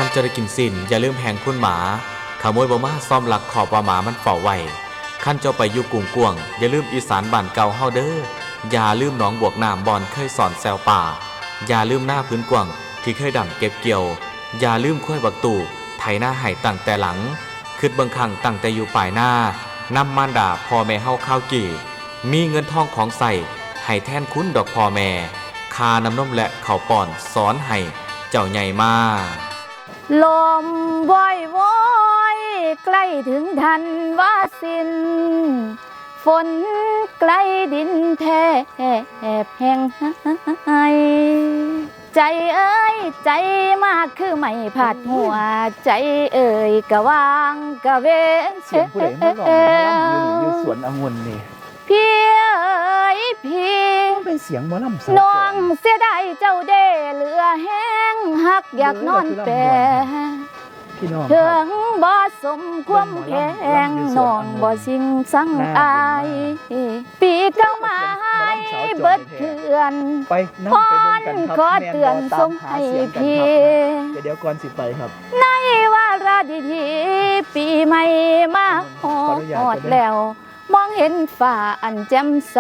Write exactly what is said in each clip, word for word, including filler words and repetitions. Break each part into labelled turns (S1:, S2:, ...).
S1: จะได้กินสินอย่าลืมแหงคุณหมาขโมยบ่มาซ่อมหลักขอบว่าหมามันเฝ้าไว้ขั้นเจ้าไปอยู่กรุงกวงอย่าลืมอีสานบ้านเก่าเฮาเด้ออย่าลืมหนองบวกน้ำบอนเคยสอนแซวป่าอย่าลืมหน้าพื้นกวางที่เคยดำเก็บเกี่ยวอย่าลืมค่อยบักตู่ไถหน้าไห้ตั้งแต่หลังคืดเบิ่งคังตั้งแต่อยู่ปลายหน้านำมารดาพ่อแม่เฮาข้าวกี่มีเงินทองของใส่ให้แทนคุณดอกพ่อแม่คาน้ำนมและข้าวป้อนสอนให้เจ้าใหญ่มา
S2: ลมว่อยว่อยใกล้ถึงทันว่าสิ้นฝนใกล้ดินแทบแห้งหายใจเอ้ยใจมากคือไม่ผัดหัวใจเอ้ยกะวางกะเว
S3: เสียงผู้ใดมาร้องหมอลำอยู่นี่อยู่สวนองุ่นนี่
S2: พี่เอ้ยพี่
S3: เป็นเสียงหมอลำ
S2: น้องเสียดายเจ้าเด้เหลือแห้งหักอยากนอนแปรถึงบ่สมความแพงน้องบ่สิงสังอายปีเก้ามาให้เบิดเถื่อนพรขอเตือนส่งให้พี่
S3: เดี๋ยวก่อนสิไปครับ
S2: ในวาระดีๆปีใหม่มาฮอดแล้วมองเห็นฟ้าอันแจ่มใส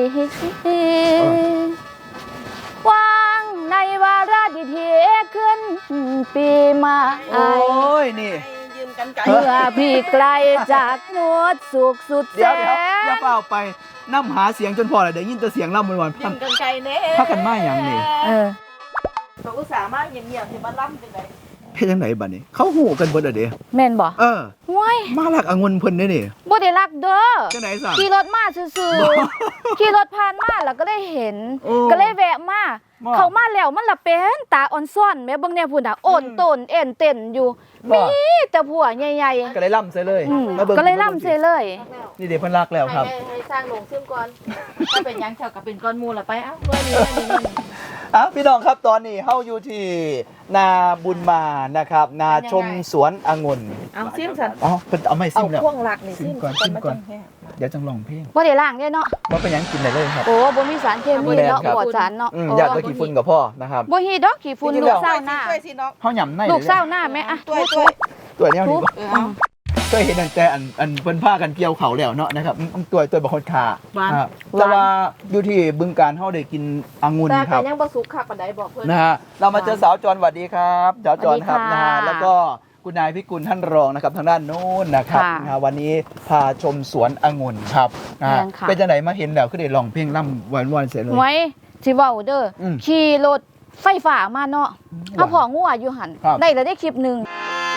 S2: วางในวาระดีๆขึ้นปีใหม่
S3: โอ้ยนี่
S2: เมื่อพี่ไกลจากหมดสุขสุดแสน
S3: เดี๋ยวอย่าเปล่าไปน้ำหาเสียงจนพอเลยเดี๋ยวยินแต่เสียงล่ำวันๆ
S4: ยิงกันไกลเน่
S3: พักกันมาอย่างนี้
S2: เออ
S4: เราอุตส่าห์มาเงียบๆที่บ้านล่ำจังได
S3: เฮ็ดจังไหนบัดนี้เขาหูกันเบิดเด้
S2: แม่นบ่
S3: เออ
S2: ว้าย
S3: มาลักองุ่นเพิ่นเด้นี่
S2: บ่ได้รักเด้อ
S3: จังไหนสั่ง
S2: ขี่รถมาซื่อๆขี่รถผ่านมาแล้วก็ได้เห็นก็เลยแวะมาเขามาแล้วมันละเป็นตาอ่อนซ่อนแม่เบิ่งแน่พุ่นน่ะโอนโตนเอ็นเต้นอยู่มีแต่ผัวใหญ่
S3: ๆก็เลยล่ำใส่เลย
S2: มาเบิ่งก็เลยล่ำใส่เลย
S3: นี่เด้เพิ่นรักแล้วครับ
S4: ให้สร้างโรงซึมก่อนถ้าเป็นหยังแถวกับเป็นก้อนมูลล่ะไปเอ้าเมื่อนี้นี่
S3: อ้าวพี่น้องครับตอนนี้เฮาอยู่ที่นาบุญมานะครับนาชมสวนองุ่น
S4: เอาซิมซั่น
S3: อ๋อเพิ่นเอาไม่ซิมแล้ว
S4: เอาพ่วงหลักนี่ซิม
S3: ก่อนซิมก่อนเดี๋ยวจังร้องเพลง
S2: บ่ได้ล้างเด้เนาะ
S3: บ่เป็นหยังกินได้เลยครับ
S2: โอ้บ่มีสารเคมีเนาะปลอดสารเนาะ
S3: อยากจะขี้ฝุ่นกับพ่อนะครับ
S2: บ่ฮีดอกขี้ฝุ่นลูกเศร้าหน้า
S3: เฮาหย่ำใน
S2: ลูกเศร้าหน้าแม่อะ
S4: ตัวตัว
S3: ตัวนี้นี่เคยเห็นแต่อันอันเพิ่นพากันเกี่ยวเขาแล้วเนาะนะครับตัวตัวบางคนขาแต่ว่าอยู่ที่บึงการเฮาได้กินองุ่นครับ
S4: แต่ยังบ่สุกคักปานใดบอกเพิ่น
S3: นะฮะเรามาเจอสาวจรสวัสดีครับสาวจรครับนะฮะแล้วก็คุณนายพิกุลท่านรองนะครับทางด้านโน้นนะครับวันนี้พาชมสวนองุ่นครับเป็นจังได๋มาเห็นแล้วคือได้ร้องเพลงร่ำหวานๆเสียเลย
S2: ไว้สิเว้าเด้อขี่รถไฟฟ้ามาเนาะเฮาพองัวอยู่หั่นได้แล้วได้คลิปนึง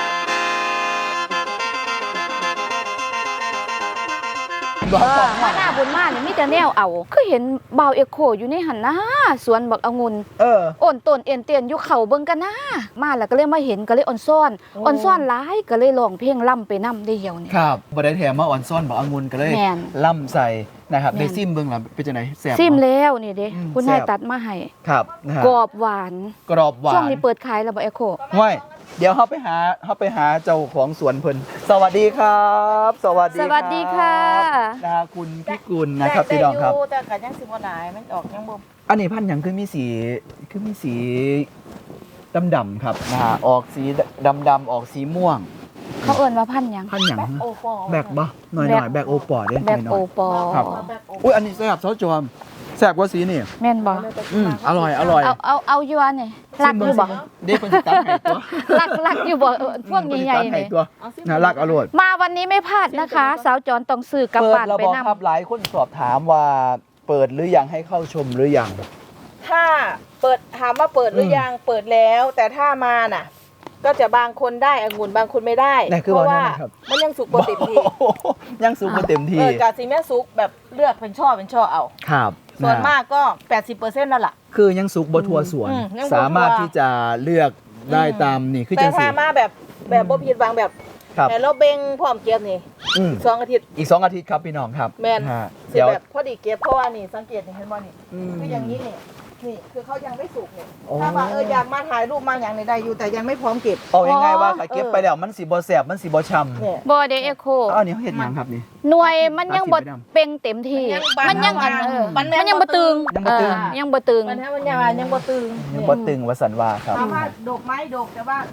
S2: มาหน้าบุญมาเนี่ยมีแต่แนวเอาคือเห็นบ่าวเอโคอยู่ในหันนะสวนบักองุ่น
S3: เออ
S2: อ่อนต้นเอ็นเตียนอยู่เขาเบิ่งกันนะมาแล้วก็เลยมาเห็นก็เลยอ่อนซ่อนอ่อนซ่อนหลายก็เลยร้องเพลงล่ำไปนำได้เหี่ยวนี่
S3: ครับบ่ได้แถมมาอ่อนซ่อนบักองุ่นก็เลยล่ำใส่นะครับได้ซิมเบิ่งล่ะเป็นจังได๋แซ่บ
S2: ซิมแล้วนี่เด้คุณนายตัดมาให้
S3: ครับ
S2: กรอบหวาน
S3: กรอบหวาน
S2: ช่วงนี้เปิดขายแล้วบ่เอโค
S3: ห้วยเดี๋ยวเฮาไปหาเฮาไปหาเจ้าของสวนเพิ่นสวัสดีครับสวัสดี
S2: สวัสดีค่ะ
S3: นะคุณพิกุลนะครับพี่น้องครับ
S4: แต่ก็ยังสิบ่หลายมันออกยังบ่
S3: อันนี้พันธุ์หยังคือมีสีคือมีสีดำๆครับนะฮะออกสีดำๆออกสีม่วง
S2: เขาเอิ้นว่าพันธุ์หยัง
S3: พันธุ์หยังแบกบ่หน่อยๆแบกโอปอเด้
S2: แบกโอปอ
S3: ครับอุ๊ยอันนี้แซ่บซอสจอมแซ่บกว่าสีนี่
S2: แม่นบ่
S3: อืมอร่อยอร่อย
S2: เอาเอาเอาอยู่อันนี่รักอยู่บ่
S3: เด้เพิ่นสิตัดให้ตัว
S2: รักรักอยู่บ่พวกใหญ่ๆนี่
S3: น่ารักอร่อย
S2: มาวันนี้ไม่พลาดนะคะสาวจรต้องซื้อกลับบ้านไปนำ
S3: ครับหลายคนสอบถามว่าเปิดหรือยังให้เข้าชมหรือยัง
S4: ถ้าเปิดถามว่าเปิดหรือยังเปิดแล้วแต่ถ้ามาน่ะก็จะบางคนได้องุ่นบางคนไม่ได้เพราะว่ามันยังสุกบ่เต็มที่
S3: ยังสุกบ่เต็มที่เอ
S4: อกะสิแม่สุกแบบเลือกเป็นช่อเป็นช่อเอา
S3: ครับ
S4: ส่วนมากก็ แปดสิบเปอร์เซ็นต์ นั่นแหละ
S3: คือยังสุกบ่ทั่วสวนสามารถที่จะเลือกได้ตามนี่คือจัง
S4: ซี่แต่ถ้ามาแบบแบบบ่ผิดหวังแบบแต่เราเบ่งพร้อมเก็บนี่สองอาทิตย์
S3: อีกสองอาทิตย์ครับพี่น้องครับ
S4: แม่นเดี๋ยวแบบพอดีเก็บเพราะว่านี่สังเกตเห็นบ่นี่คืออย่างนี้นี่นี่คือเขายังไม่สุกเนี่ยถ้าว่าเอออยากมาถ่ายรูปมาอย่างในได้อยู่แต่ยังไม่พร้อมเก็บ
S3: เอาง่ายๆว่าถ้าเก็บไปแล้วมันสิบ่แซ่บมันสิบ่ฉ่ำ
S2: บ่เด้เอโค
S3: อันนี้เขาเฮ็ดหยังครับนี่
S2: หน่วยมันยังบ่เป่งเต็มที่มันยังอันเออมันยังบ่ตึง
S3: ยังบ่ตึง
S2: ยังบ่ตึง
S4: มันมันยังยังบ่ตึง
S3: ยังบ่ตึงว่าสันว่าครับ
S4: ถามว่าดอกไม้ดอกแต่ว่าลูก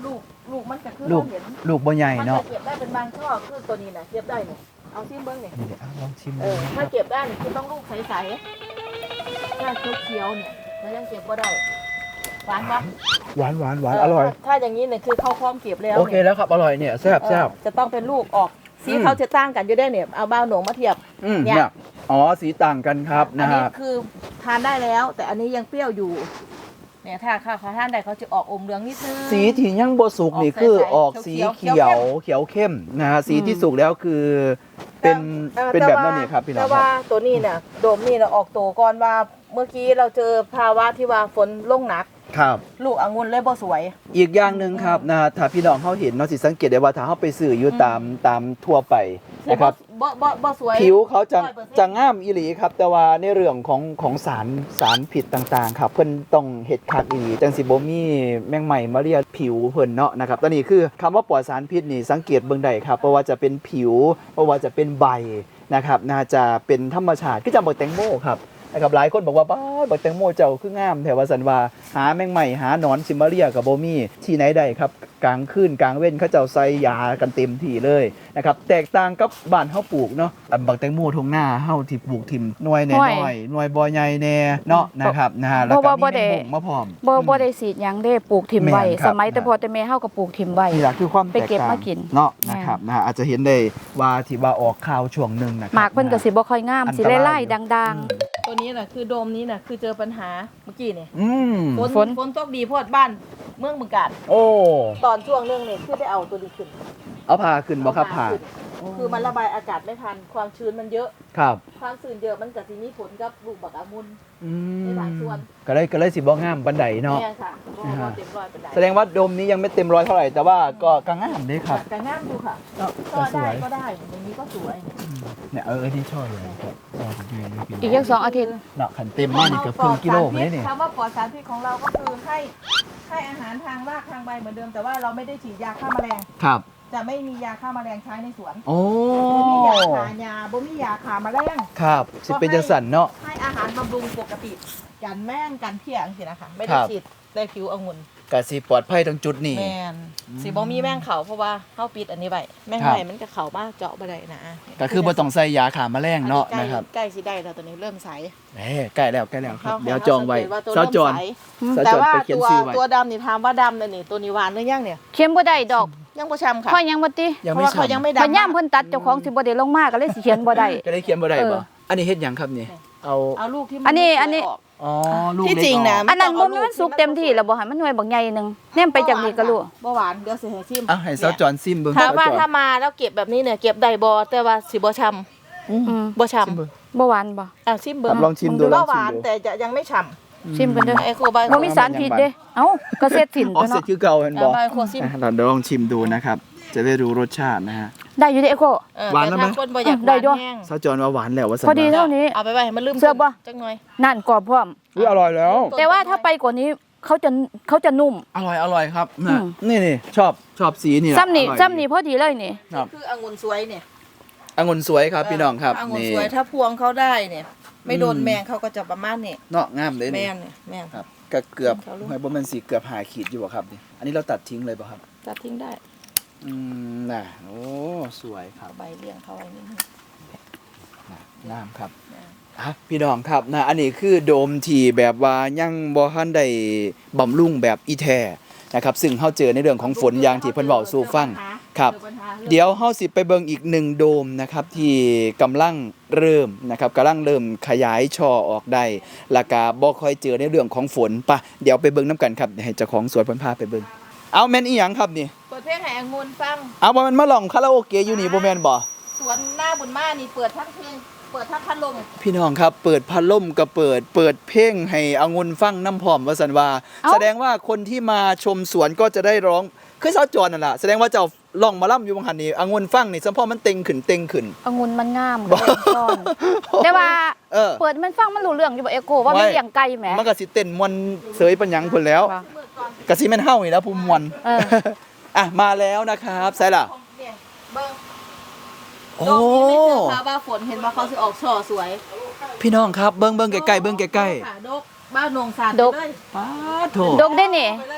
S4: ลูกมันก็คือ
S3: ลูก
S4: เราเห็น
S3: ลูกบ่ใหญ่
S4: มัน
S3: เนาะ
S4: จะเก็บได้เป็นบางช่อคือตัวนี้นะเก็บได้เนี่ยเอาซิมเบิ้งเนี่ย
S3: นี่เดี๋ยวเอาลองชิม
S4: เอ
S3: ดู
S4: อ
S3: นะค
S4: ถ้า
S3: รับ
S4: เก็บได้เนี่ยคือต้องลูกใสๆถ้าเขียวๆเนี่ยมันยังเก็บก็ได้หวานปะ
S3: หวานหวานหวานอร่อย
S4: ถ้าถ้าอย่างนี้เนี่ยคือเข้าพร้อมเก็บแล้ว
S3: โอเค
S4: นี่ย
S3: แล้วครับอร่อยเนี่ยแซ่บแซ่บ
S4: เออจะต้องเป็นลูกออกสี
S3: อืม
S4: เขาจะต่างกันอยู่ได้เนี่ยเอาบ้าวหนงมาเทียบ
S3: อืม
S4: เนี่ย
S3: เนี่ยอ๋อสีต่างกันครับ
S4: อั
S3: นะ
S4: นี้
S3: ฮะ
S4: คือทานได้แล้ว แต่อันนี้ยังเปรี้ยวอยู่เนี่ยถ้าข้าวเขาทานได้เขาจะออกอมเหลืองนิดนึง
S3: สีที่ยังบ่สุกนี่คือออกสี
S4: เขี
S3: เขี
S4: ย
S3: ยว วเขียวเข้มนะฮะสีที่สุกแล้วคือเป็น
S4: ออ
S3: เป็น
S4: ต่
S3: แบบ
S4: ว่า
S3: นั้นนี่ครับพี่น้อ
S4: แต่
S3: งค
S4: ว่า
S3: รับ
S4: ตัวนี้เนี่ยโดมนี่เราออกตัวก่อนว่าเมื่อกี้เราเจอภาวะที่ว่าฝนลงหนัก
S3: ครับ
S4: ลูกองุ่นเลยบ่สวย
S3: อีกอย่างหนึ่งครับนะฮะถ้าพี่น้องเขาเห็นเนาะสิสังเกตได้ว่าถ้าเขาไปซื้ออยู่ตามตามทั่วไปนะครับ
S4: บ่บ่บ่สวย
S3: ผิวเขาจะ
S4: ร้อยเปอร์เซ็นต์
S3: จะง่ามอีหลีครับ แต่ว่าในเรื่องของของสารสารผิดต่างๆ ครับเพิ่นต้องเฮ็ดคักอีหลีจังสิบ่มีแมงใหม่มาเรียผิวเพิ่นเนาะนะครับตอนนี้คือคำว่าปลอดสารพิษนี่สังเกตเบิ่งได้ครับเพราะว่าจะเป็นผิวเพราะว่าจะเป็นใบนะครับน่าจะเป็นธรรมชาติคือจังบักแตงโมครับนะครับหลายคนบอกว่าบ้าบักแตงโมเจ้าคืองามแต่ว่าสันว่าหาแมงใหม่หาหนอนซิมาเรียกับบ่มีที่ไหนได้ครับกลางคืนกลางเว้นเขาเจ้าใส่ยากันเต็มที่เลยนะครับแตกต่างกับบ้านเฮาปลูกเนาะอันบักแตงโมทงหน้าเฮาที่ปลูกทิ่มหน่วยแน่
S2: หน่วย
S3: น้อยหน่วยบ่ใหญ่แน่เนาะนะครับนะฮะแล้ว
S2: เพ
S3: ก็
S2: ราะว่าบ่
S3: มี
S2: ได้
S3: แมงมุมมาพร้อม
S2: บ่บ่ได้สีดหยังเด้ปลูกถิ่มไว้
S3: แม่นครับ
S2: สมัยแต่พอแต่แม่เฮาก็ปลูกถิ่มไว้
S3: นี่แหละคือความแต
S2: ไป
S3: ก
S2: เก็บ
S3: ต่าง
S2: มากิน
S3: เนาะ
S2: แม่น
S3: นะครับนะฮะอาจจะเห็นได้ว่าที่ว่าออกข่าวช่วงหนึงนะครั
S2: หมากเพิ่นก็สิบ่ค่อยงาม
S3: อัน
S2: สิ
S3: ตราย
S2: ไล่
S3: อยู่
S2: ๆดัง
S4: ตัวนี้น่ะคือโดมนี้น่ะคือเจอปัญหาเมื่อกี้เนี่ย
S3: อืม
S4: ฝน
S2: ฝน
S4: ฝนตกดีโพดบ้านเมืองบึงกาฬ
S3: โอ้
S4: ตอนช่วงเรื่องเนี่ยคือได้เอาตัวนี้ขึ้น
S3: เอาผ่าขึ้นบ่ครับผ่า
S4: ขึ้นคือมันระบายอากาศไม่ทันความชื้นมันเยอะ
S3: ครับ
S4: ความชื้นเยอะมันก็สิมีผลกับลูกบักองุ่น
S3: อื
S4: ในหลายส่วน
S3: ก็เลยก็เลยสิบ่งามบันไดเนาะ
S4: เนี่ยค่ะบ่บ่เต็มร้อยปานใด
S3: แสดงว่าโดมนี้ยังไม่เต็มร้อยเท่าไหร่แต่ว่าก็กางามเด้ครับ
S4: แต่งามอยู่ค่ะ
S3: เนาะ
S4: ก็
S3: ก็ส
S4: ได้
S3: วย
S4: ก็ได้อย่างนี้ก็สวย
S3: เนี่ยเออเออที่ชอบเลยครับชอบดีเลยพี่
S2: ๆ อีกจักสองอาทิตย์
S3: เนาะขันเต็มมากนี่เกือบครึ่งกิโลไหมเนี่ย
S4: คำว่าปลอดสารพิษของเราก็คือให้ให้อาหารทางรากทางใบเหมือนเดิม แต่ว่าเราไม่ได้ฉีดยาฆ่าแมลง
S3: ครับ
S4: จะไม่มียาฆ่าแมลงใช้ในสวน
S3: โอ้
S4: บ่มียาฆ่ายาบ่มียาฆ่าแมลง
S3: ครับสิเป็นจังสันเนาะ
S4: ให้อาหารบำรุงปกติกันแม่งกันเพียงสินะคะไม่
S3: ค
S4: ได้
S3: รับ
S4: ฉีดได้ผิวองุ่น
S3: กะสิปลอดภัยตรงจุดนี้
S4: แมนสิบ่มีแม่งเขาเพราะว่าเฮาปิดอันนี้ไว้แม่ง
S3: ครับ
S4: ไห้มันก็เข้ามาเจาะบ่ได้นะ
S3: ก็คือบ่ต้องใส่ยาฆ่าแมลงเนาะ
S4: อัใกล้
S3: นะครับ
S4: ใกล้สิได้แล้วตัวนี้เริ่มใส
S3: เอ้ใกล้แล้วใกล้แล้วครับ
S4: ขา
S3: เดี๋ยวจองไว้
S4: ขาสั
S3: เสา
S4: เกต
S3: จร
S4: ว่า
S3: เสา
S4: ตัว
S3: จ
S4: เริ่มใสแต่ว่า
S3: รไปเขียน
S4: ตัว
S3: ชื่อไว้
S4: ตัวดำนี่ถามว่าดำเลยนี่ตัวนี้หวานหรือยังเนี่ย
S2: เค็มบ่ได้ดอก
S4: ยังบ่ช้ำค่ะ
S2: เพราะยังบ่ติ
S3: ยัง
S4: เพ
S3: ไม่
S4: ราะว่าเขา
S3: ฉ่ำ
S4: ยังไม่
S2: บัด
S4: ดำ
S2: ย่ามเพิ่นตัดเจ้าของสิบ่ได้ลงมาก็เลยสิเขียนบ่ได้
S3: ก็ได้เขียนบ่ได้
S2: เอ
S3: บ่
S2: อ
S3: อันนี้เฮ็ดหยังครับนี่เอา
S4: เอาลูกที่มั
S2: อันนี้
S4: ไม่สวย
S2: อันนี้
S4: ก
S3: อ๋อลูก
S4: ที่
S3: เล็ก
S4: จริงนะ
S3: ออก
S2: อันนั้นบ่แม่นมันสุกเต็มที่แล้วบ่ให้มันหน่วยบักใหญ่หนึงแนมไปจากนี้ก็รู้
S4: บ่หวานเดี๋ยวสิให้ชิม
S3: อ่ะให้เสาจรซิมเบิ่ง
S4: ถามว่า
S3: เสจร
S4: ถ้ามาแล้วเก็บแบบนี้เนี่ยเก็บได้บ่แต่ว่าสิบ่ช้ำ
S2: อืม
S4: บ่ช้
S3: ซิมเบิ่ง
S2: บ่หวานบ่
S4: ำอ่ะชิมเบิ่
S3: ครั
S4: ง
S3: บลองชิมดูล
S4: บ่
S3: อง
S4: ห
S3: ชิ
S4: วาม น
S3: ดู
S4: แต่จะยังไม่ฉ่
S2: ชิมกันเด้อ
S4: ำไอโคไบ
S2: บ่มีสารพิษเด้เอ้าก็เสร็จสิ้น
S3: อ๋อ
S2: ตัว
S3: เสร็จ
S2: เนาะ
S3: คือเก่าเห็นบ่
S4: ไบโคซิม
S3: อ่ะเราเดี๋ยวลองชิมดูนะครับ จะได้รู้รสชาตินะฮะ
S2: ได้อยู่เด้เอโค
S4: เออ
S3: หวานแล้วไหม
S4: แต่ถ้คนบ่อยาก
S2: ได้ด้วย
S4: หวานแห้ง
S3: เสาจรว่าหวานแล้วว่าสัน
S2: พอดี
S3: ว่า
S2: เท่านี้
S4: เอาไปไว้ให้มันลืม
S2: เสื้อบ่
S4: จังหน่อย
S2: นั่นกรอบพร้อม
S3: อุ๊ยอร่อยแล้ว
S2: แต่ว่าถ้าไปกว่านี้เขาจะเขาจะนุ่ม
S3: อร่อยอร่อยครับ
S2: อื
S3: นะ
S2: ม
S3: นี่นี่ชอบชอบสีนี่แหละ
S2: ซ้ำนี่
S3: อร่อย
S2: ซ้ำนี่พอดีเลยนี่
S3: ครับ
S4: คือองุ่นสวยเนี่ย
S3: องุ่นสวยครับพี่น้องครับ
S4: องุ่น
S3: นี่
S4: สวยถ้าพวงเขาได้เนี่ย ไม่โดน
S3: อืม
S4: แมงเขาก็จะประมาณนี้
S3: เนาะงามเลย
S4: แม
S3: นี่
S4: งเนี่ยแมง
S3: ครับก็เกือบ
S4: เขาลูก
S3: หอยบ่แม่นสีเกือบหาขีดอยู่บ่ครับนี่อันนี้เราตัดทิ้งเลยป่ะครับ
S4: ตัดทิ้งได้
S3: อืมน่ะโอ้สวยครับ
S4: เอาใบเลี้ยงเขาไว้นิดนึง
S3: น่ะงามครับ
S4: นะ
S3: อ่ะพี่น้องครับนะอันนี้คือโดมที่แบบว่ายังบ่ทันได้บำรุงแบบอีแท้นะครับซึ่งเฮาเจอในเรื่องของฝนอย่างที่เพิ่นเว้าสู่ฟังครับ
S4: เจอปัญหารื่อง
S3: เดี๋ยวเฮาสิไปเบิ่งอีกหนึ่งโดมนะครับที่กำลังเริ่มนะครับกำลังเริ่มขยายช่อออกได้แล้วก็บ่ค่อยเจอในเรื่องของฝนปะเดี๋ยวไปเบิ่งนํกันครับให้เจ้าของสวนเพิ่นพาไปเบิ่งเอาแม่นอีหยังครับนี่
S4: เปิดเพลงให้องุ่นฟัง
S3: เอาบ่แม่นมาลองคาราโอเกะอยู่นี่บ่แม่นบ่
S4: สวนหน้าบุญมานี่เปิดทั้งเพลงเปิดทั้งพัดลม
S3: พี่น้องครับเปิดพัดลมก็เปิดเปิดเพลงให้องุ่นฟังน้ำพร้อมว่าซั่นว่า
S2: เอ้า
S3: แสดงว่าคนที่มาชมสวนก็จะได้ร้องคือเซาจรนั่นล่ะแสดงว่าเจ้าร้องหมาล่ำอยู่บางหันนี่องุ่นฟังนี่สัมพอมันเต็งขึ้นเต็งขึ้น
S2: องุ่นมันงามก็เลยซ่อนแต่ว่า
S3: เออ
S2: เปิดมันฟังมันรู้เรื่องอยู่บ่เอโคว่ามันเลี้ยงไก่แหม
S3: มันก็สิเต้นมวนเสยปัญญังพุ่นแล้ว
S2: ว่า
S4: มือก่อน
S3: ก็สิแม่นเฮานี่แหล้วผู้มวน
S2: เออ
S3: อ่ะมาแล้วนะครับใส่ล่ะ
S4: เนี่ยเบิ้ง
S3: โอ้
S4: ดอกนี้ไม่เจอค่ะว่าฝนเห็นว่าเขาสิออกช่อสวย
S3: พี่น้องครับเบิ่งเบิ่งใกล้ๆเบิ่งใกล้
S4: ค่ะดกบ้านนงสาร
S2: ดก
S4: เลย
S3: ๆป๊าดโถ
S2: ดกได้นี่
S4: ไปเลย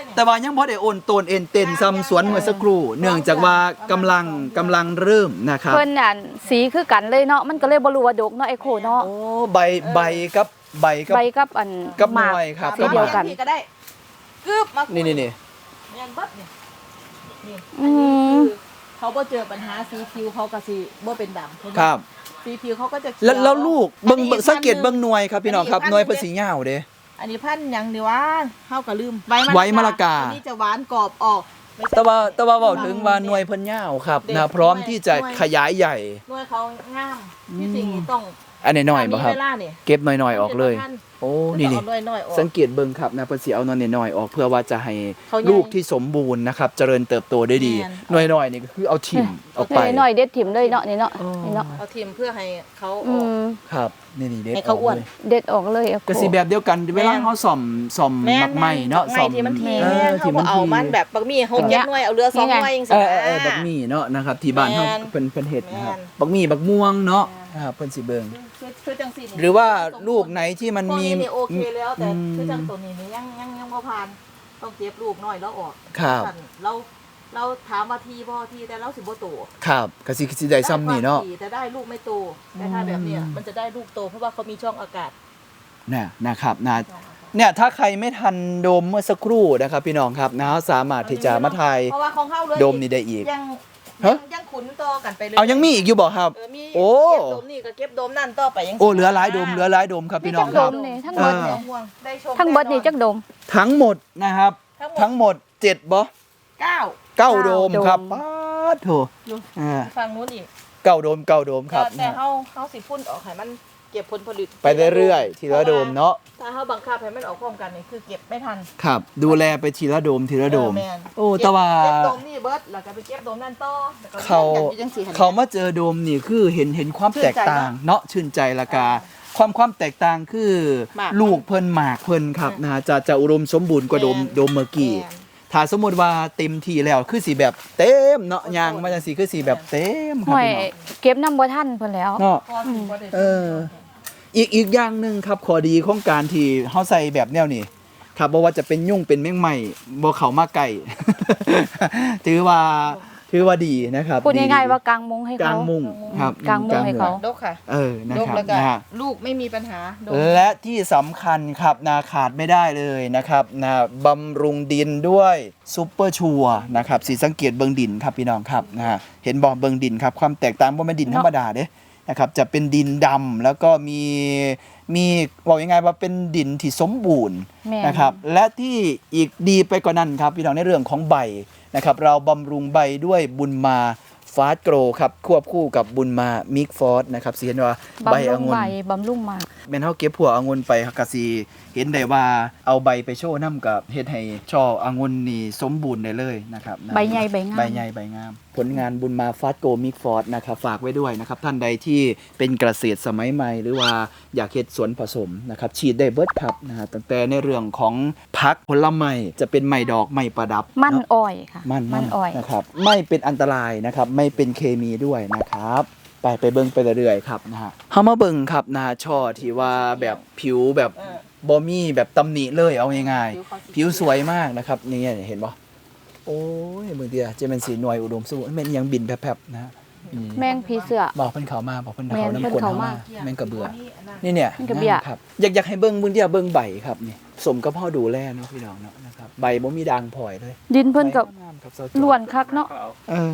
S3: แต่ว่ายังบ่ได้โอนโตนเอ็นเต็นซ้ำสวนเมื่อสักครู่เนื่องจากว่ากำลังกำลังเริ่มนะครับ
S2: เพิ่นน่ะสีคือกันเลยเนาะมันก็เลยบ่รู้ว่าดกเนาะไอ้โคเนาะ
S3: โอ้ใบใบกับใบกับ
S2: ใบกับอัน
S3: กับ
S2: หมาก
S3: หน่วยครับ
S2: สีเดียวกัน
S4: ก็ได้กึบมา
S3: นี่นี่นี่
S4: เรียนเบิดนี่นี่
S2: อื
S4: อันนี้
S2: ม
S4: คือเขาบ่เจอปัญหาสีผิวเขาก็สิบ่เป็นดำ
S3: ครับ
S4: สีผิวเขาก็จะเขีย
S3: แล้วแล้วลูกเบิ่ง
S4: อันนี้
S3: เบิ่งสังเกต
S4: พันธุ์
S3: เบิ่งหน่วยครับพี่น้องครับ
S4: อันนี้
S3: หน่วย
S4: พั
S3: ภาน
S4: ธุ์
S3: ษียาวเด้
S4: อันนี้พันธุ์หยังดีวะเฮาก็ลืม
S3: ไว้มะละกา
S4: อันนี้จะหวานกรอบออกไม่ใช่
S3: แต่ว่าแต่ว่าเว้าถึงว่าหน่วยเพิ่นยาวครับ
S4: เด็ก
S3: นะพร้อมที่จะ
S4: หน่วย
S3: ขยายใหญ่
S4: หน่วยเขางามที่สิ่งนี้ต้อง
S3: อันน้อยๆบ่ครับ
S4: มีเวลานี่
S3: เก็บหน่อยๆออกเลย โอ้นี่นี่
S4: เอาน้อยๆออก
S3: สังเกตเบิ่งครับนะเพิ่นสิเอาหน่อยๆออกเพื่อว่าจะให้
S4: เขาใหญ่
S3: ลูกที่สมบูรณ์นะครับเจริญเติบโตได้ดี
S4: แม่น
S3: หน่อยๆนี่ก็คือเอาถิ่มออกไป
S2: นี่หน่อยเด็ดถิ่มเลยเนาะนี่เนาะ
S3: อ๋อ
S2: นี่เนาะ
S4: เอาทิมเพื่อให้เขาอ
S2: อื
S4: อก
S2: ม
S3: ครับนี่นี่เด็ด
S4: ให้เขาอ้วน
S3: กลย
S2: เด็ดออกเลยไอ้โค
S3: ก็สิแบบเดียวกันเวลาเฮาซ่อมซ่อม
S4: แม่
S3: มักไหม้เนาะ
S4: ไม่
S3: ซ่อม
S4: ที่มันที
S3: เอ
S4: แม่
S3: อ
S4: เขา
S3: ที่
S4: ก็
S3: มัน
S4: เอา
S3: ที
S4: มันแบบบะหมี่หกเจ็ดหน่วยเอาเรือสองหน่วยยัง
S3: เอ
S4: สิ
S3: อเออเออบักหมี่เนาะนะครับที่บ้านเฮา
S4: แม่น
S3: เพิ่นเพิ่นเฮ็ดนะครับ
S4: แม่น
S3: บักหมี่บักม่วงเนาะนะครับเพิ่นสิเบิ่ง
S4: คือคือจังสินี่
S3: หรือว่าลูกไหนที่มัน
S4: พวก
S3: มี
S4: นี้นี่โอเคแล้วแต่
S3: อืม
S4: คือจังตัวนี้นี่ยังยังยังบ่ผ่านต้องเก็บลูกน้อยแล้วออก
S3: ครับ
S4: สั่นเราเราถามว่าทีบ่ทีแต่เราสิบ่โต
S3: ครับก็สิสิได้ซ้ำนี่เนาะ
S4: ได้ความถี่แต่ได้ลูกไม่โตแต่ถ้าแบบเนี้ยมันจะได้ลูกโตเพราะว่าเขามีช่องอากาศ
S3: นะนะครับนะเนี่ยถ้าใครไม่ทันโดมเมื่อสักครู่นะครับพี่น้องครับนะสามารถที่จะมาถ่าย
S4: เพราะว่าของเฮาเลย
S3: โดมนี่ได้อีก
S4: ยัง
S3: ฮะ
S4: ยังขุนต่อกันไปเลย
S3: เอายังมีอีกอยู่บ่ครับ
S4: เออมี
S3: โอ้
S4: เก็บโดมนี่ก็เก็บโดมนั่นต่อไปยัง
S3: โอ้เหลือหลายโดมเหลือหลายโดมครับพี่น้องครับ
S2: โดมนี่ทั้ง
S3: เอ
S2: หม
S3: อ
S2: ดนี่
S4: ห่วงได้ชม
S2: ทั้งเบิดนี่จักดม
S3: ทั้งหมดนะครับ
S4: ทั้
S3: ทั้
S4: ง
S3: ง
S4: ห
S3: ห
S4: ม
S3: ม
S4: ด
S3: ดเจ็ดบ่
S4: เก้า
S3: เก้าโดม
S2: เก้าโดม
S3: ครับป๊าดโถอ่า
S4: ฝั่งนู้นอีก
S3: เก้าโดมเก้าโดมครับ
S4: แต่
S3: นะ
S4: เฮาเฮาสิพุ่นออกให้มันเก็บผลผลิต
S3: ไปเรื่อยๆทีละโดมเนาะ
S4: ถ้าเฮาบังคับให้มันออกพร้อมกันนี่คือเก็บไม่ทัน
S3: ครับ ดูแลไปทีละโดมทีละโดม
S4: เออแม่น
S3: โอ้แต่ว่า
S4: เก็บโดมนี่เบิดแล้วก็ไปเก็บโดมนั่นต่อแล้วก็
S3: เขา
S4: อย่างที่จังสิหั่น
S3: เขามาเจอโดมนี่คือเห็นเห็นความแตกต่างเนาะชื่นใจละกา ความความแตกต่างคือ
S4: หมาก
S3: ลูกเพิ่นหมากเพิ่นครับนะจะจะอุดมสมบูรณ์กว่าโดม
S4: แม่น
S3: โดมเมื่อกี้
S4: แม่น
S3: ถ้าสมมติว่าเต็มที่แล้วคือสีแบบเต็มเนาะยางมาจังสีคือสีแบบเต็มครั
S2: ห่
S3: บ
S2: วย
S3: พี่น้อง
S2: เก็บน้ำบ่ทันเพิ่นแล้ว
S3: เนาะ
S4: พอสิบ่ได้
S3: เออ อีกอีกอย่างหนึ่งครับข้อดีของการที่เฮาใส่แบบแนวนี้ครับบ่ว่าจะเป็นยุ่งเป็นแมงไหม้บ่เข้ามาใกล้ ถือว่าถือว่าดีนะครับ
S2: พูดง่ายๆ
S3: ดี
S2: ว่ากางมุ้งให้
S3: ก
S2: เขา
S3: ลางมุ้งครับ
S2: กางมุ้งให้เขา
S4: ดกค่ะ
S3: เออนะ
S4: ดก
S3: ครับ
S4: แล้วก็
S3: นะฮะ
S4: ลูกไม่มีปัญหาดก
S3: และที่สำคัญครับนาขาดไม่ได้เลยนะครับนะบำรุงดินด้วยซูเปอร์ชัวร์นะครับสีสังเกตเบิงดินครับพี่น้องครับนะฮะเห็นบอกเบิงดินครับความแตกต่างว่ามันดินธรรมดาเด้นะครับจะเป็นดินดำแล้วก็มีมีบอกยังไงว่าเป็นดินที่สมบูรณ์
S2: แม่น
S3: นะครับและที่อีกดีไปกว่านั้นครับพี่น้องในเรื่องของใบนะครับเราบำรุงใบด้วยบุญมาฟาสโกรครับควบคู่กับบุญมามิกฟอสนะครับสีเห็นว่าใบ
S2: บำรุ
S3: องงุ่
S2: ใบ
S3: น
S2: บำรุงหมาก
S3: แม่นเฮาเก็บผัวองุ่นไปเฮาก็สิเห็นได้ว่าเอาใบไปโชว์นํกับเฮ็ดให้ช่อองุ่นนี่สมบูรณ์ได้เลยนะครับนะ
S2: ใบใหญ่ใบงาม
S3: ใบใหญ่ใบงาม ผลงานบุญมาฟาสโกมิกฟอร์ดนะครับฝากไว้ด้วยนะครับท่านใดที่เป็นเกษตรสมัยใหม่ หรือว่าอยากเฮ็ดสวนผสมนะครับฉีดได้เบิดครับนะฮะตั้งแต่ในเรื่องของผักผลไม้จะเป็นไม้ดอกไม้ประดับ
S2: มัน
S3: เนาะ
S2: อ้อยค่ะ
S3: มัน
S2: มันอ้อย
S3: นะครับไม่เป็นอันตรายนะครับไม่เป็นเคมีด้วยนะครับไปไปเบิ่งไปเรื่อยๆครับนะฮะเฮามาเบิ่งครับนะช่อที่ว่าแบบผิวแบบ
S4: เออ
S3: บ่มีแบบตำหนิเลยเอาง่าย
S4: ผิวเขาสี
S3: ๆผิวสวยมากนะครับนี่เห็นบ่โอ้ยเบิ่งเดียจะเป็นสีหน่วยอุดมสมบูรณ์แม่นยังบินแผบๆนะฮะอืม
S2: แมงผีเสือ
S3: บอกเพิ่นเขามาบอกเพิ่น
S2: แม่น
S3: เขาน้ำ
S2: เพิ่น
S3: กลน
S2: เขา
S3: เขา
S2: มา
S3: มาแม่งกระเบือ
S4: นี่
S3: นี่เนี่ย
S2: แม่งกระเบี้ย
S3: งามครับอยากอยากให้เบิ่งมื้อเดียวเบิ่งใบครับนี่สมกับพ่อดูแลเนาะพี่น้องเนาะนะครับใบบ่มีด่างพร้อยเลย
S2: ดินเพิ่นกับ
S3: ใบงามครับเจ้าจอ
S2: ล้วนคักเนาะ
S3: เออ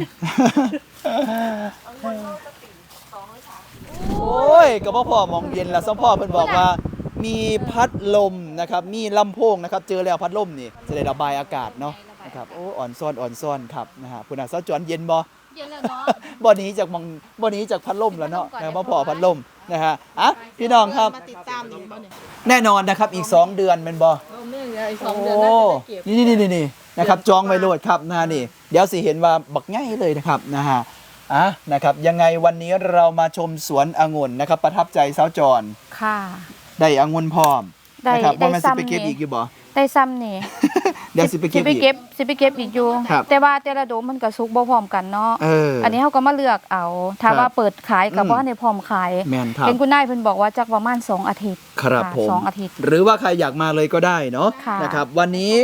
S3: โอ้ยก็บ่พอมองเย็นแล้วสมพ่อเพิ่นบอกว่า มีพัดลมนะครับมีลำโพงนะครับเจอแล้วพัดลมนี่จะได้ระบายอากาศเนาะนะครับโอ้อ่อนซ่อนอ่อนซ่อนครับนะฮะคุณอาเจ้าจวนเย็นบ่
S2: เย็นแล้วเนาะ
S3: บ่หนี้จากมองบ่หนี้จากพัดลมแล้วเนาะนะบ่พอพัดลมนะฮะอ่ะพี่น้องครับ
S4: มาติดตามอีกบ่เนี่ย
S3: แน่นอนนะครับอีกสองเดือนแม่นบ่
S4: เออเนี่ยอีกสอง
S3: โอ้
S4: เดือนน่าจะได้เก็บ
S3: นี่นี่นี่นี่นะครับจองไว้โลดครับนะนี่เดี๋ยวสิเห็นว่าบักง่ายเลยนะครับนะฮะอ่ะนะครับยังไงวันนี้เรามาชมสวนองุ่นนะครับประทับใจสาวจร
S2: ค่ะ
S3: ได้องุ่นพร้อม
S2: ได้
S3: นะครับ
S2: ได้
S3: บ่แม่นสิไป
S2: ซ้ำ
S3: เก็บ
S2: นี่
S3: อีกอยู่บ่
S2: ได้ซ้ำนี่
S3: เดี๋ยวสิไปเก็บ
S2: สิไป
S3: อีก
S2: เก็บสิไปเก็บอีกอยู่
S3: ครับ
S2: แต่ว่าแต่ละโดมมันก็สุกบ่พร้อมกันเนาะ
S3: เออ
S2: อันนี้เขาก็มาเลือกเอา ถ้า
S3: ครับ
S2: ว่าเปิดขายก็
S3: อืม
S2: บ่ทันได้พร้อมขาย
S3: แม่นครับ
S2: เห็นคุณนายเพิ่นบอกว่าจักประมาณสองอาทิตย์
S3: ครับ
S2: ะ
S3: ผม
S2: สองอาทิตย์
S3: หรือว่าใครอยากมาเลยก็ได้เนาะ
S2: ค่ะ
S3: นะครับวันนี้
S4: บรรยากาศ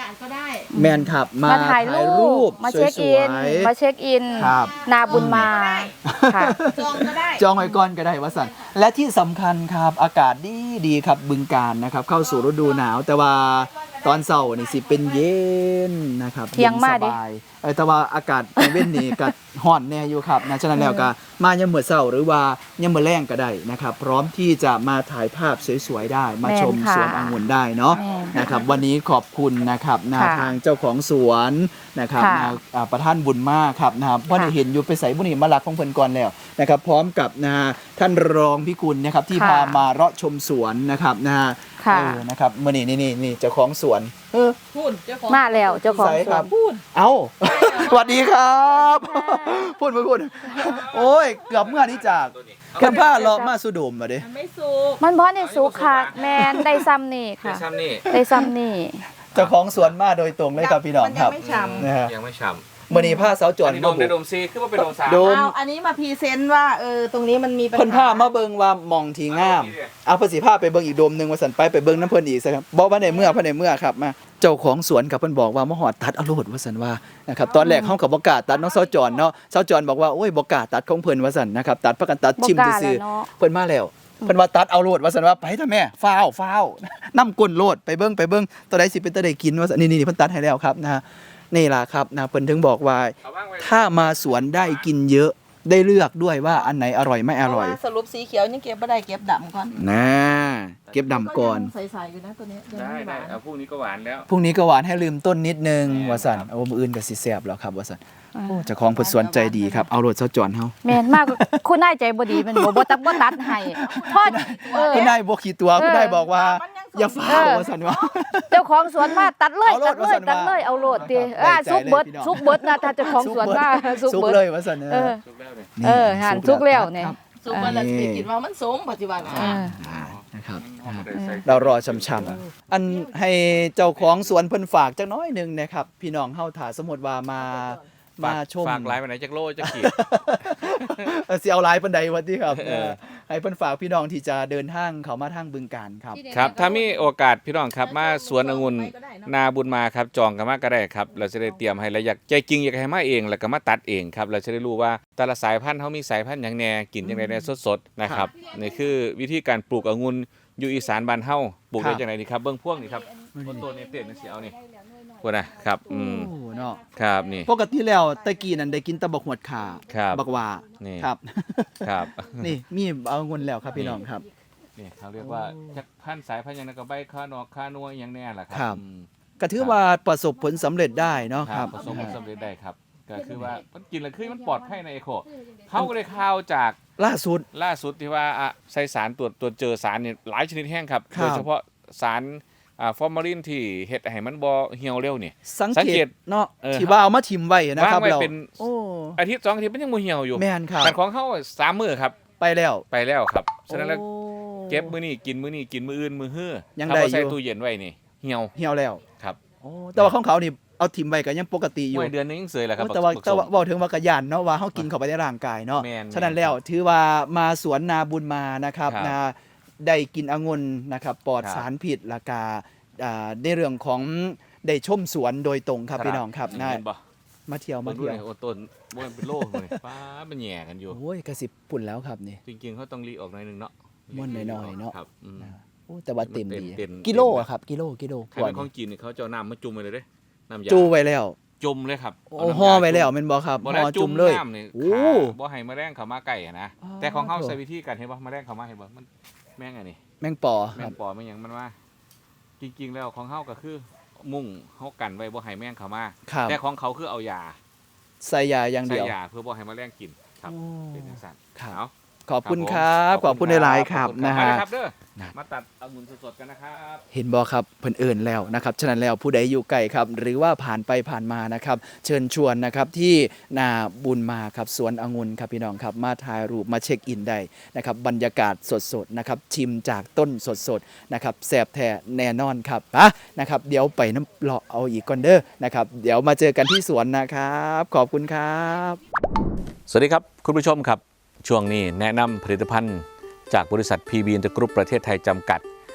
S4: าศก็ได้
S3: แมนครับมา
S2: มาถ่ายรูปมาเช็คอิน
S3: สวยๆ
S2: มาเช็คอิน
S3: ครับ
S2: นาบุญมาค่ะ
S4: จองก็ได้
S3: จองไว้ก่อนก็ได้ว่าสันและที่สำคัญครับอากาศดีดีครับบึงการนะครับเข้าสู่ฤดูหนาว แต่ว่าตอนเช้านี่สิเป็นเย็นนะครับ
S2: เที่ยงมาดิ
S3: นสบายเออแต่ว่าอากาศกลางเว้นนี่ก็ร้อนแน่อยู่ครับนะฉะนั้นแล้วก็มายามมื้อเช้าหรือว่ายามมื้อแลงก็ได้นะครับพร้อมที่จะมาถ่ายภาพสวยๆได้ มาชมสวนองุ่นได้เนาะ
S2: แม่น
S3: นะครับวันนี้ขอบคุณนะครับนะ
S2: ค่ะ
S3: ทางเจ้าของสวนนะครับ
S2: ค่ะ
S3: นะอ่าประท่านบุญมากครับนะครับเพราะได้เห็นอยู่ไปใส่บุญนี่มาลักของเพิ่นก่อนแล้วนะครับพร้อมกับนะท่านรองพิกุลนะครับที่
S2: ค่ะ
S3: พามาเลาะชมสวนนะครับนะ
S2: ค่ะ
S3: เออนะครับมื่อนี้นี่นี่นี่เจ้าของสวนเออ
S4: พูดเจ้าของ
S2: มาแล้วเจ้าของ
S3: ใส่
S2: ส
S3: ครั
S2: ว
S3: บ
S2: น
S4: พูด
S3: เอ้า สวัสดีครับ พูดมาพูดโอ้ยเกือบเมื่อนี้จากเพิ่นพาเลาะมาสุดมมาเด้
S4: มันไม่สุก
S2: มันเพราะในสุขค่ะแมนได้ซ้ำนี่
S1: คือ
S2: ค่ะ
S1: ช้ำนี่
S2: ได้ซ้ำนี่
S3: เจ้าของสวนมาโดยตรงเลยครับพี่น้องครับ
S4: มันยังไม่ฉ่ำ
S3: นะฮะ
S1: ยังไม่ช้ำ
S3: มื่อนี้ผ้าสาวจ
S1: อั
S3: อน น
S1: นี้
S3: มา
S1: โดม
S3: บุ
S1: ได้
S3: ก
S1: โดมซีคือว่าเป็นโดมสาม
S3: โดม
S4: เอาอันนี้มาพรีเซนต์ว่าเออตรงนี้มันมีปัญ
S3: เพิ่น
S4: หา
S3: พามาเบิ่งว่าหมองทีงามเอาเพิ่นสิพาไปเบิ่งอีกโดมหนึงว่าสันไปไปเบิ่งน้ำเพิ่นอีกซะครับบ่ว่าในเมื่อภายในเมื่อครับมาเจ้าของสวนกับเพิ่นบอกว่ามาฮอดตัดเอาโลดว่าซั่นว่านะครับตอนแรกเฮาก็บ่กล้าตัดน้องสาวจอนเนาะสาวจอนบอกว่าโอ้ยบ่กล้าตัดของเพิ่นว่าซั่นนะครับตัดพากันตัดชิม
S2: บ่กล้า
S3: ซื่อ
S2: แล้วเนาะ
S3: ๆเพิ่นมาแล้วเพิ่นว่าตัดเอาโลดว่าซั่นว่าไปเถอะแม่ฟ้าวฟ้าวน้ำก้นโลดไปเบิ่งไปเบิ่งตัวใดสิเป็นตัวใดกินว่าซั่นนี่ๆเพิ่นตัดให้แล้วครับนะฮะนี่ล่ะครับนะเพิ่นถึงบอกว่า
S1: เอาว่างไว้
S3: ถ้ามาสวนได้กินเยอะได้เลือกด้วยว่าอันไหนอร่อยไม่อร่อย
S4: เพาะว่าสรุปสีเขียวยังเก็บไม่ได้เก็บดำก่อน
S3: นะเก็บดำก่อน
S4: ใสๆอยู่นะตัวเนี้ยยัง
S1: ได้
S4: ไม่ห
S1: ได้
S4: วาน
S1: เอาพรุ่งนี้ก็หวานแล้ว
S3: พรุ่งนี้ก็หวานให้ลืมต้นนิดนึง
S1: แม่
S3: ว่าสัน
S1: ครับ
S3: โอ้มืออื่นกับสิแสบแล้วครับว่าสันโอ้เจ้าของเพิ่นสวนใจดีครับเอารถเซาจอนเฮา
S2: แมนมากคุณนายใจบ่ดีมันบ่บ่ตัดบ่ตัดให้พอเออ
S3: คุณนายบ่ขี้ตัว
S2: เออ
S3: คุณนายบอกว่า
S4: มันยัง
S3: อย่า
S4: สุก
S3: ฟ้าว
S2: เออ
S3: ว่าสันว่า
S2: เจ้าของสวนมาตัดเลย
S3: เอาโล
S2: ตั
S3: ด
S2: ดเล
S3: ว่าซั่
S2: ย
S3: น
S2: ตัดเลย
S3: ว่า
S2: เอาโลดติ
S3: ได้
S2: อ่า
S3: ใจ
S2: สุกเบิด
S3: เลยพี่น้อง
S2: สุกเบิดนะถ้าเจ้าของสวนมาสุก
S3: สุก
S2: เบิด
S3: เลยว่าสัน
S2: เออ
S1: สุกแล้วเนี่ย
S2: เออหันสุกแล้วเนี่ย
S3: ครับ
S4: สุกมันละสิกินว่ามันสูงปัจจุบัน
S2: เอ
S4: อ่ะ
S2: อ
S3: นะครับ
S1: เอามาได้ใส่
S3: เรารอช่ำๆอันให้เจ้าของสวนเพิ่นฝากจักหน้อยหนึงนะครับพี่น้องเฮาถ้าสมมุติว่ามามาชม
S1: ฝากไลน์ไปไหนจากโลจากขีด
S3: เออสิเอาไลน์ปันใดวันที่ครับเออให้เพิ่นฝากพี่น้องที่จะเดินทางเขามาทางบึงการครับ
S1: ครับถ้ามีโอกาสพี่น้องครับมาสวนองุ่นนาบุญมาครับจองกันมาก็ได้ครับเราจะได้เตรียมให้แล้วอยากใจจริงอยากให้มาเองแล้วก็มาตัดเองครับเราจะได้รู้ว่าแต่ละสายพันธุ์เขามีสายพันธุ์อย่างแน่กินอย่างไรแน่สดๆนะครับนี่คือวิธีการปลูกองุ่นอยู่อีสานบ้านเฮาปลูกได้อย่างไรดีครับเบื้องพวกนี่ครับต้นต้นนี้เต็มนี่สิเอานี่พวกนะครับอืม
S3: โอ้เนาะ
S1: ครับนี่
S3: ปกติแล้วตะกี้นั่นได้กินแตะบักหวดขา
S1: ครับ
S3: บักหว่า
S1: นี่
S3: ครับ
S1: ครับ
S3: นี่มีเอาเงินแล้วครับพี่น้องครับ
S1: นี่เขาเรียกว่าจักพันธุ์สายพันธุ์อย่างนั้นก็ใบข้านอกข้านัวอย่างแน่แหละค
S3: ครั
S1: รับ อืม
S3: ก็ถือว่าประสบผลสำเร็จได้เนาะ
S1: ค
S3: ค
S1: รั
S3: รั
S1: บบ ผสมผลสำเร็จได้ครับก็คือว่ามันกินแล้วคือมันปลอดภัยในเอโคเขาก็เลยข่าวจาก
S3: ล่าสุด
S1: ล่าสุดที่ว่าอ่ะใส่สารตรวจตรวจเจอสารเนี่ยหลายชนิดแห้งครับ
S3: ครับ
S1: โดยเฉพาะสารอ่าฟอร์มาลินที่เฮ็ดให้มันบ่เหี่ยวเร็วนี่
S3: สัง
S1: สัง
S3: เก
S1: เก
S3: ต
S1: ต
S3: เนาะ
S1: เออ
S3: ที่ว่าเอามาทิมไว้นะครับ
S1: วางไว้
S3: เรา
S1: เป็น
S3: โอ้
S1: อาทิตย์สองอาทิตย์มันยังบ่เหี่ยวอยู่
S3: แม่นครับ
S1: แต่ของเขาสามมื้อครับ
S3: ไปแล้ว
S1: ไปแล้วครับฉะนั้นแล้ว
S3: โอ้
S1: เก็บมื้อนี้กินมื้อนี้กินมื้ออื่นมื้อฮื้อ
S3: ยัง
S1: ถ้า
S3: ได้
S1: บ่ใส่
S3: อยู่
S1: ตู้เย็นไว้นี่เหี่ยว
S3: เหี่ยวแล้ว
S1: ครับ
S3: โอ้แต่ว่าของเขานี่เอาทิมไว้ก็ยังปกติอยู่
S1: ไว้เดือนนึงยังเสยแหละครับ
S3: โอ้แต่ว่า
S1: บัก
S3: แต่ว่า
S1: ส้ม
S3: บอกถึงว่ากระยานเนาะว่าเขากินเข้าไปในร่างกายเนาะ
S1: แม่น
S3: ฉะนั้นแล้วถือว่ามาสวนนาบุญมานะครับ
S1: ครับ
S3: นะได้กินองุ่นนะครับปลอด
S1: ครับ
S3: สารพิษและกาอ่าในเรื่องของได้ชมสวนโดยตรงครับพี่น้องครับนะ
S1: เห็นบ่
S3: มาเที่ยว
S1: มา
S3: มา
S1: เที่
S3: เที่
S1: ย
S3: ยว ว
S1: โอ้ต้นบ่มันเป็นโลเลยฟ้ามันแหย่กันอยู่
S3: โอ้ยกระสิบปุ่นแล้วครับนี่
S1: จริงๆเขาต้องรีออกหน่อยหนึงเนาะ
S3: ม่วนหน่อยๆเนาะ
S1: ครับอืม
S3: โอ้แต่ว่าเต็มดี
S1: เต็มๆ
S3: กิโลอะครับกิโลกิโล
S1: ใคร
S3: กว่า
S1: เป็นของจีนนี่เขาจะเอาน้ำมาจุ่มไปเลยเด้น้ำยา
S3: จูไว้แล้ว
S1: จุ่มเลยครับ
S3: โอ้
S1: เาน้ำยา
S3: ห่อไว้แล้วแม่นบ่ครับ
S1: บ่
S3: ห่
S1: ได้
S3: อ
S1: จุ่
S3: จุ่
S1: ม
S3: มเลย
S1: น้ำนี่
S3: โอ้
S1: ขาบ่ให้แมลงเข้ามาใกล้อะนะ
S3: อ๋อ
S1: แต่ของเขาใส่วิธีการเห็นบ่แมลงเข้ามาเห็นบ่มันแม่งอันนี้
S3: แมงปอ
S1: แม
S3: ครั
S1: ง
S3: บ
S1: ปอแม่งหยังมันว่า จริงๆแล้วของเขาก็คือมุ่งเขากันไว้บ่ให้แมลงเข้ามา
S3: ครับ
S1: แต่ของเขาคือเอายา
S3: ใส่ยาอย่าง
S1: ใส่
S3: เดียวย
S1: าเพื่อบ่ให้แมลงกินครับ
S3: โอ้
S1: เป็นจังซั่น
S3: ครับ
S1: เอา
S3: ขอบคุณ
S1: ผม
S3: ครับขอบคุณหลายๆครับ
S1: ขอณ
S3: นะ
S1: มา
S3: ฮะ
S1: เลยครับเด้อ
S3: นะ
S1: มาตัดองุ่นสดๆกันนะครับ
S3: เห็นบอครับเพิ่นเอิญแล้วนะครับฉะนั้นแล้วผู้ใดอยู่ไกลครับ หรือว่าผ่านไปผ่านมานะครับ เชิญชวนนะครับที่นาบุญมาครับสวนองุ่นครับพี่น้องครับมาถ่ายรูปมาเช็คอินได้นะครับบรรยากาศสดๆนะครับชิมจากต้นสดๆนะครับแซ่บแท้แน่นอนครับอ่ะนะครับเดี๋ยวไปน้ำเลาะเอาอีกก่อนเด้อนะครับเดี๋ยวมาเจอกันที่สวนนะครับ ขอบคุณครับ
S1: สวัสดีครับคุณผู้ชมครับช่วงนี้แนะนำผลิตภัณฑ์จากบริษัท พี บี Inter Group ประเทศไทยจำกัด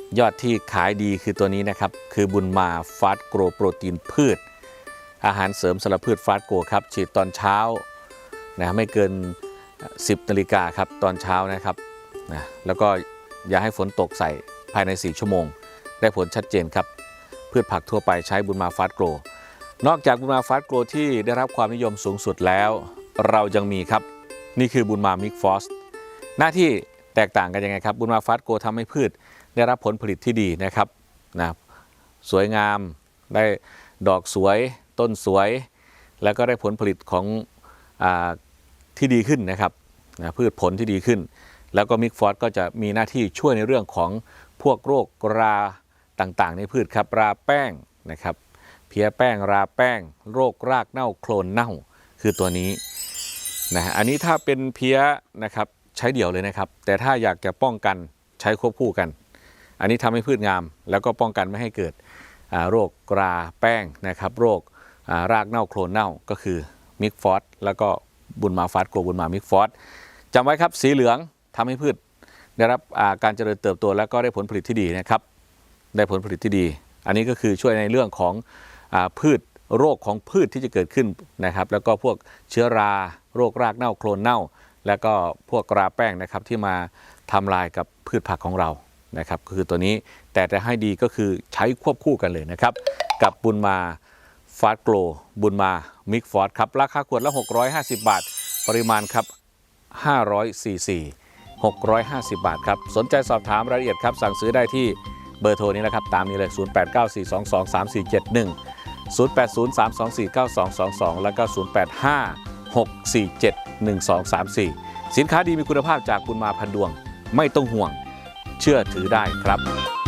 S5: ยอดที่ขายดีคือตัวนี้นะครับคือบุญมาฟาสโกรโปรตีนพืชอาหารเสริมสำหรับพืชฟาสโกรครับฉีดตอนเช้านะไม่เกินสิบนาฬิกาครับตอนเช้านะครับนะแล้วก็อย่าให้ฝนตกใส่ภายในสี่ชั่วโมงได้ผลชัดเจนครับพืชผักทั่วไปใช้บุญมาฟาสโกรนอกจากบุญมาฟาสโกรที่ได้รับความนิยมสูงสุดแล้วเรายังมีครับนี่คือบุญมามิกฟอสหน้าที่แตกต่างกันยังไงครับบุญมาฟาสโกทำให้พืชได้รับผลผลิตที่ดีนะครับนะสวยงามได้ดอกสวยต้นสวยแล้วก็ได้ผลผลิตของอาที่ดีขึ้นนะครับนะพืชผลที่ดีขึ้นแล้วก็มิกฟอสก็จะมีหน้าที่ช่วยในเรื่องของพวกโรคราต่างๆในพืชครับราแป้งนะครับเพี้ยแป้งราแป้งโรครากเน่าโคลนเน่าคือตัวนี้นะอันนี้ถ้าเป็นเพี้ยนะครับใช้เดี่ยวเลยนะครับแต่ถ้าอยากจะป้องกันใช้ควบคู่กันอันนี้ทำให้พืชงามแล้วก็ป้องกันไม่ให้เกิดโรคราแป้งนะครับโรครากเน่าโคลนเน่าก็คือมิกฟอสแล้วก็บุญมาฟาสโกบุญมามิกฟอสจำไว้ครับสีเหลืองทำให้พืชได้รับการเจริญเติบโตแล้วก็ได้ผลผลิตที่ดีนะครับได้ผลผลิตที่ดีอันนี้ก็คือช่วยในเรื่องของพืชโรคของพืชที่จะเกิดขึ้นนะครับแล้วก็พวกเชื้อราโรครากเน่าโคลนเน่าแล้วก็พวกราแป้งนะครับที่มาทำลายกับพืชผักของเรานะครับก็คือตัวนี้แต่จะให้ดีก็คือใช้ควบคู่กันเลยนะครับกับบุญมาฟาสโกรบุญมามิกฟอสครับราคาขวดละหกร้อยห้าสิบบาทปริมาณครับห้าร้อยซีซีหกร้อยห้าสิบบาทครับสนใจสอบถามรายละเอียดครับสั่งซื้อได้ที่เบอร์โทรนี้นะครับตามนี้เลยศูนย์ แปด เก้า สี่ สอง สอง สาม สี่ เจ็ด หนึ่ง ศูนย์ แปด ศูนย์ สาม สอง สี่ เก้า สอง สอง สองแล้วก็ศูนย์ แปด ห้า หก สี่ เจ็ด หนึ่ง สอง สาม สี่สินค้าดีมีคุณภาพจากบุญมาพันดวงไม่ต้องห่วงเชื่อถือได้ครับ